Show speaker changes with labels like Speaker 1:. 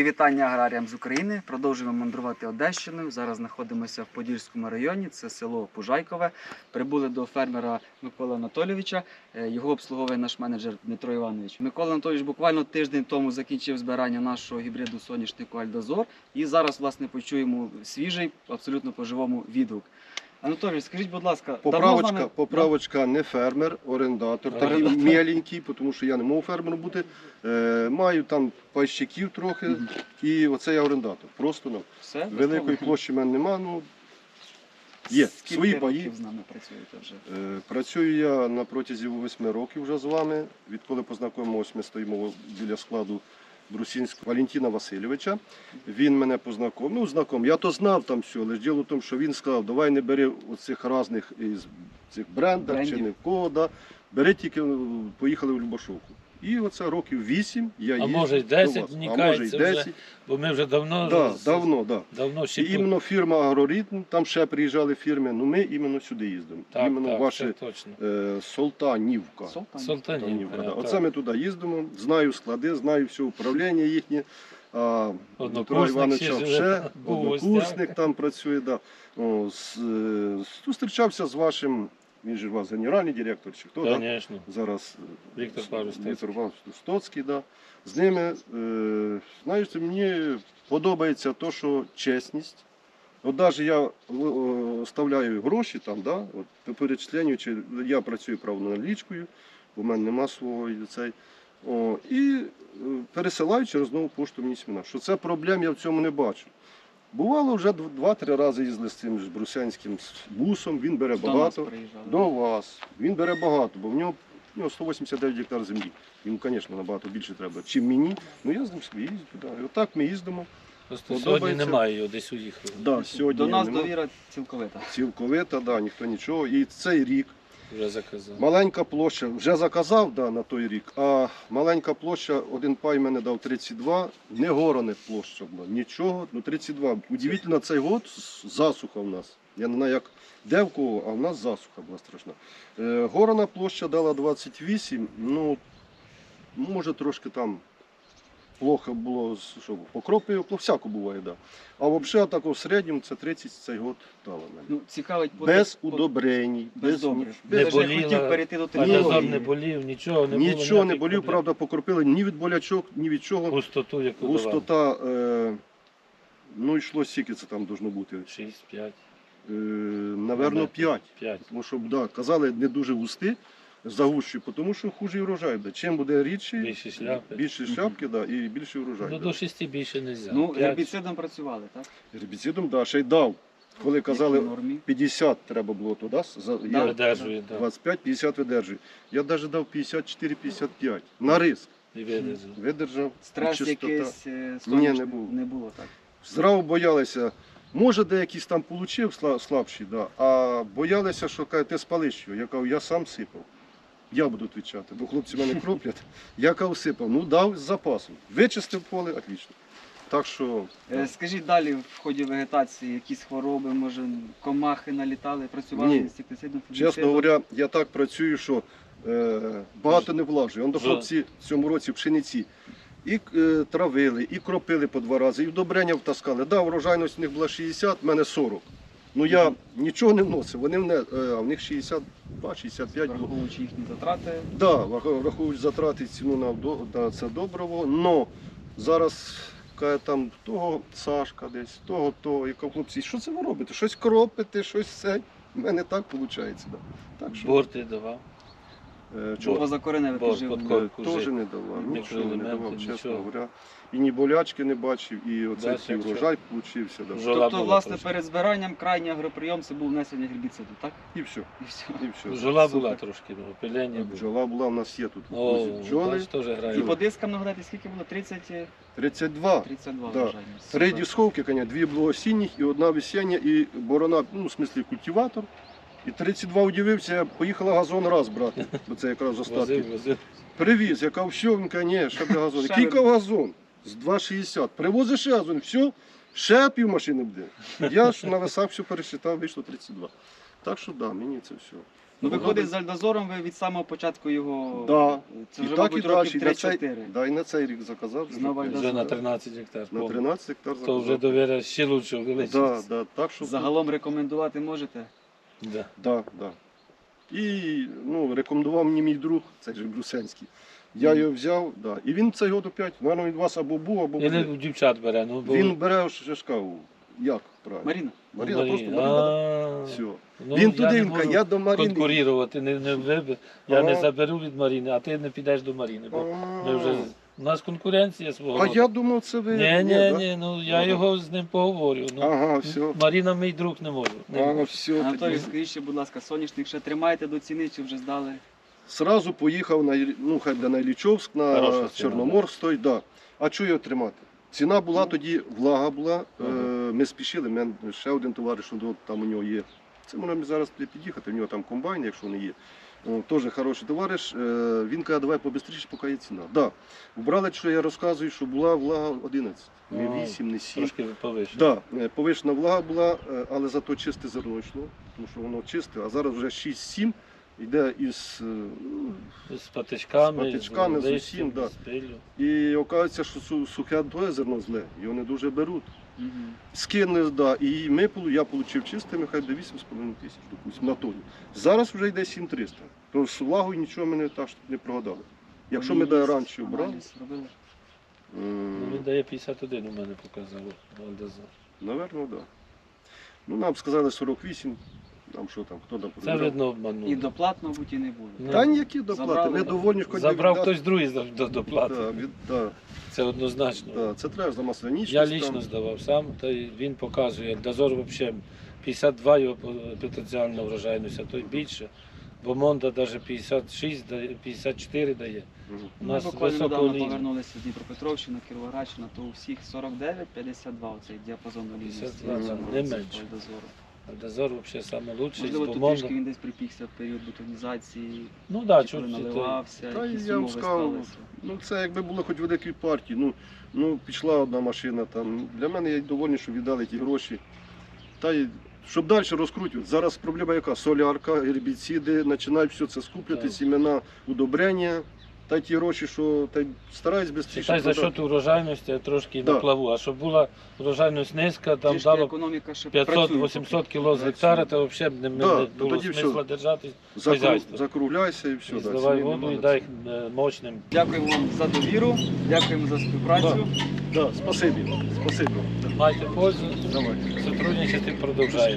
Speaker 1: вітання аграріям з України. Продовжуємо мандрувати Одещиною. Зараз знаходимося в Подільському районі, це село Пужайкове. Прибули до фермера Миколи Анатолійовича. Його обслуговує наш менеджер Дмитро Іванович. Микола Анатолійович буквально тиждень тому закінчив збирання нашого гібриду соняшнику Альдозор. І зараз, власне, почуємо свіжий, абсолютно по-живому відгук. Анатолій, скажіть, будь ласка,
Speaker 2: Поправочка не фермер, орендатор, такий меленький, тому що я не можу фермером бути. Маю там пайщиків трохи, і оце я орендатор. Просто великої площі в мене нема. Є свої паї.
Speaker 1: Скільки з нами працюєте вже?
Speaker 2: Працюю я на протязі 8 років вже з вами. Відколи познайомилися, ми стоїмо біля складу Брусинського Валентина Васильовича. Він мене познайомив. Я то знав там все, але діло в тому, що він сказав, давай не бери оцих різних із цих брендів чи не в кого, да. Бери тільки, поїхали в Любашовку. І оце років 8 я їздив.
Speaker 3: А може й 10 вникається вже, бо ми вже давно
Speaker 2: І іменно фірма Агроритм, там ще приїжджали фірми, ми іменно сюди їздимо. Іменно ваші Солтанівка.
Speaker 3: Солтанівка.
Speaker 2: Оце ми туди їздимо, знаю склади, знаю все управління їхнє. Дмитро Івановича вже, однокурсник там працює. Зустрічався з вашим, він же у вас генеральний директор, чи хто?
Speaker 3: Звісно.
Speaker 2: Зараз
Speaker 3: Віктор Павлович
Speaker 2: Стоцький. З ними, знаєте, мені подобається те, що чесність. От навіть я оставляю гроші там, по перечисленню, чи я працюю правоналічкою, бо в мене нема свого і пересилаю через нову пошту мені сімена. Що це проблем я в цьому не бачу. Бувало, вже 2-3 рази їздили з цим брусянським бусом, він бере багато. До вас. Він бере багато, бо в нього 189 гектар землі. Йому, звісно, набагато більше треба, чим мені. Я з ним собі їздю туди. І отак ми їздимо.
Speaker 3: Просто сьогодні немає його, десь уїхав.
Speaker 1: До нас довіра цілковита.
Speaker 2: Цілковита, ніхто нічого. І цей рік
Speaker 3: вже заказав.
Speaker 2: Маленька площа, вже заказав на той рік, а маленька площа, один пай мене дав 32, не горана площа була, нічого, 32. Удивительно, цей год засуха в нас. Я не знаю, як де в кого, а в нас засуха була страшна. Горана площа дала 28, може трошки там плохо було, що покропи, всяко буває, да. А взагалі так в середньому це 30 цей год дала мене.
Speaker 1: Цікавить,
Speaker 2: без удобрень,
Speaker 1: без добрив.
Speaker 3: Не
Speaker 1: хотів перейти до
Speaker 3: Альдозор не болів, нічого не було.
Speaker 2: Нічого не болів, правда, покропили ні від болячок, ні від чого.
Speaker 3: Густоту, яку
Speaker 2: Густота, йшло скільки це там должно бути?
Speaker 3: 6-5.
Speaker 2: Наверно, 5.
Speaker 3: 5.
Speaker 2: Тому що, казали, не дуже густі, загущі, тому що хуже урожай буде. Чим буде рідший, більше шляпки, і більше урожай.
Speaker 3: До 6 більше не можна.
Speaker 1: Гербіцидом працювали, так?
Speaker 2: Гербіцидом, ще й дав. Коли казали 50 треба було туди, я 25-50 видержую. Я навіть дав 54-55 на риск.
Speaker 3: І видержав.
Speaker 1: Стрес якийсь не було, так?
Speaker 2: Зразу боялися. Може, деякісь там отримав слабші, а боялися, що ти спалиш його. Я кажу, я сам сипав. Я буду відповідати, бо хлопці мене кроплять. Я кажу, сипав, дав з запасом. Вичистив поле, отлично. Так що...
Speaker 1: Скажіть далі, в ході вегетації, якісь хвороби, може, комахи налітали, працювали інсектицидом, фунгіцидом?
Speaker 2: Чесно говоря, я так працюю, що багато не влажую. До хлопці в цьому році пшениці і травили, і кропили по 2 рази, і вдобрення втаскали. Врожайність у них була 60, в мене 40. Я нічого не вносив, а в них 62-65 було.
Speaker 1: Враховуючи їхні затрати?
Speaker 2: Так, враховуючи затрати, ціну на це добриво, але зараз там того Сашка десь, того, яка хлопці, що це ви робите? Щось кропите, щось це. У мене так виходить.
Speaker 3: Борти давав?
Speaker 1: Чого закореневе підживлення?
Speaker 2: Теж не давав, нічого не давав, чесно говоря. І ні болячки не бачив, і оцей урожай получився.
Speaker 1: Тобто, власне, перед збиранням крайній агроприйом це був внесення гербіциду, так?
Speaker 2: І все.
Speaker 3: Бджола була трошки, опилення було.
Speaker 2: Бджола була, у нас є тут бджоли.
Speaker 1: І по дискам, нагадайте, скільки було?
Speaker 2: 32.
Speaker 1: 32
Speaker 2: врожайності. 3 дісковки, 2 було осінніх і 1 весіння, і борона, в смислі культиватор. І 32 удивився, я поїхала газон раз брати, бо це якраз остатки. Привіз, я кажу, все, він каже, ні, ще буде газон. Кілька газон з 2,60. Привозиш ще газон, все, ще півмашини буде. Я ж на весах все пересчитав, вийшло 32. Так що, мені це все.
Speaker 1: Ну, виходить, з Альдозором ви від самого початку його...
Speaker 2: Да.
Speaker 1: Це
Speaker 2: І
Speaker 1: вже,
Speaker 2: так, і
Speaker 1: мабуть,
Speaker 2: далі.
Speaker 1: років
Speaker 2: І на цей,
Speaker 1: 3-4.
Speaker 2: да, і на цей рік заказав.
Speaker 1: Знову
Speaker 2: Так,
Speaker 3: Вже на 13 гектар.
Speaker 2: на 13 гектар
Speaker 3: То
Speaker 2: заказав.
Speaker 3: вже довіра ще лучше увеличиться.
Speaker 2: Да, да, так, що...
Speaker 1: Загалом рекомендувати можете?
Speaker 3: Да.
Speaker 2: Да, да. І ну, рекомендував мені мій друг, цей же Брюсенський. Я його взяв, да. І він цей год опять, мабуть, від вас або був, або
Speaker 3: Или
Speaker 2: буде.
Speaker 3: у дівчат бере. Ну, бо...
Speaker 2: Він бере шашкаву. Як правильно?
Speaker 1: Маріна?
Speaker 2: Маріна, просто Маріна.
Speaker 3: А,
Speaker 2: Все.
Speaker 3: ну,
Speaker 2: Він
Speaker 3: я
Speaker 2: туди,
Speaker 3: не
Speaker 2: він каже,
Speaker 3: можу
Speaker 2: я до Маріни.
Speaker 3: конкурувати, я не
Speaker 2: Ага.
Speaker 3: заберу від Маріни, а ти не підеш до Маріни. Бо
Speaker 2: А.
Speaker 3: ми вже... У нас конкуренція свого.
Speaker 2: А
Speaker 3: роду.
Speaker 2: я думав, це ви...
Speaker 3: Ні,
Speaker 2: да?
Speaker 3: ну я
Speaker 2: Ага.
Speaker 3: його з ним поговорю. Ну,
Speaker 2: Ага, все.
Speaker 3: Маріна мій друг не можу. Не
Speaker 2: Ага,
Speaker 3: можу.
Speaker 2: все.
Speaker 1: Анатолій,
Speaker 2: тоді.
Speaker 1: скажіть ще, будь ласка, соняшник ще тримаєте до ціни чи вже здали?
Speaker 2: Сразу поїхав на, ну, хай на Іллічовськ,
Speaker 3: Хороша
Speaker 2: на
Speaker 3: ціна,
Speaker 2: Чорноморськ, стоїть, да. А чого його тримати? Ціна була
Speaker 1: Ну.
Speaker 2: тоді, влага була,
Speaker 3: Ага.
Speaker 2: ми спішили, мене ще один товариш, там у нього є. Це можна зараз під'їхати, в нього там комбайн, якщо не є. Теж хороший товариш. Він каже, давай побистріше, поки є ціна. Да. Вбрали, що я розказую, що була влага 11, не
Speaker 3: Ага.
Speaker 2: 8, не 7.
Speaker 3: Трошки повише.
Speaker 2: Да, повишена влага була, але зато чисте зерно йшло, тому що воно чисте, а зараз вже 6-7 йде із...
Speaker 3: З патичками,
Speaker 2: З патичками, з
Speaker 3: листям,
Speaker 2: усім, да.
Speaker 3: з пиллю.
Speaker 2: І оказується, що сухе твоє зерно зле, його не дуже беруть.
Speaker 1: Угу.
Speaker 2: Скинули, да, і я отримав чисте, нехай до 8,5 тисяч, допустим, на тоні. Зараз вже йде 7,300. Тож з влагою нічого ми не, так, що не прогадали. Якщо ми до раніше брали,
Speaker 1: робили?
Speaker 3: Ну, він дає 51, у мене показав Вальдазар.
Speaker 2: напевно, так. Да. Ну, нам сказали 48, нам що там, хто там
Speaker 3: Це
Speaker 2: програв.
Speaker 3: видно обманув.
Speaker 1: І доплат, мабуть, і не було.
Speaker 3: Ну,
Speaker 2: Та ніякі доплати,
Speaker 1: Забрали,
Speaker 2: ми
Speaker 1: да.
Speaker 2: довольні, хоч
Speaker 3: Забрав
Speaker 2: віддати.
Speaker 3: хтось другий доплати.
Speaker 2: Да, да,
Speaker 3: Це однозначно.
Speaker 2: да, це треба за маслянічність.
Speaker 3: Я
Speaker 2: там.
Speaker 3: лічно здавав сам, та й він показує. Дозор взагалі 52 його потенціальна врожайність, а то й більше. Бо Монда навіть 56, 54 дає.
Speaker 2: Мгм.
Speaker 3: У
Speaker 1: Ми
Speaker 3: нас
Speaker 1: буквально
Speaker 3: високо
Speaker 1: недавно
Speaker 3: лінія.
Speaker 1: повернулися з Дніпропетровщини, Кіровоградщина, то у всіх 49-52 оцей діапазон валідності.
Speaker 3: 52, не менше.
Speaker 1: Дозору.
Speaker 3: А Дозор взагалі найкращий,
Speaker 1: Можливо,
Speaker 3: бо
Speaker 1: тут
Speaker 3: Монда...
Speaker 1: трішки він десь припікся в період бетонізації,
Speaker 3: Ну так,
Speaker 1: чи коли
Speaker 3: чуть
Speaker 1: наливався,
Speaker 2: Та
Speaker 1: якісь
Speaker 2: я вам
Speaker 1: умови
Speaker 2: сказав,
Speaker 1: сталися.
Speaker 2: ну це якби було хоч великій партії. Ну пішла одна машина там. Для мене я довольний, що віддали ті гроші. Та й щоб далі розкрутювати. Зараз проблема яка? Солярка, гербіциди, починають все це скуплювати,
Speaker 3: Так.
Speaker 2: сімена, удобрення. Та й ті гроші, що та й стараюсь швидше
Speaker 3: Читай за счет урожайності я трошки
Speaker 2: Да.
Speaker 3: на плаву. А щоб була урожайність низька, там
Speaker 1: Трішки
Speaker 3: дало
Speaker 1: економіка ще працює
Speaker 3: 500-800 кг з гектара, то взагалі не
Speaker 2: Да,
Speaker 3: було
Speaker 2: тоді все.
Speaker 3: смисла держати хазяйство.
Speaker 2: Закругляйся і все.
Speaker 3: І
Speaker 2: да,
Speaker 3: зливай
Speaker 2: ціни
Speaker 3: воду і
Speaker 2: нема.
Speaker 3: дай мощним.
Speaker 1: Дякуємо вам за довіру, дякуємо за співпрацю.
Speaker 2: Да, спасибі. Спасибі.
Speaker 3: Майте пользу,
Speaker 2: Давайте.
Speaker 3: сотрудничати продовжаємо.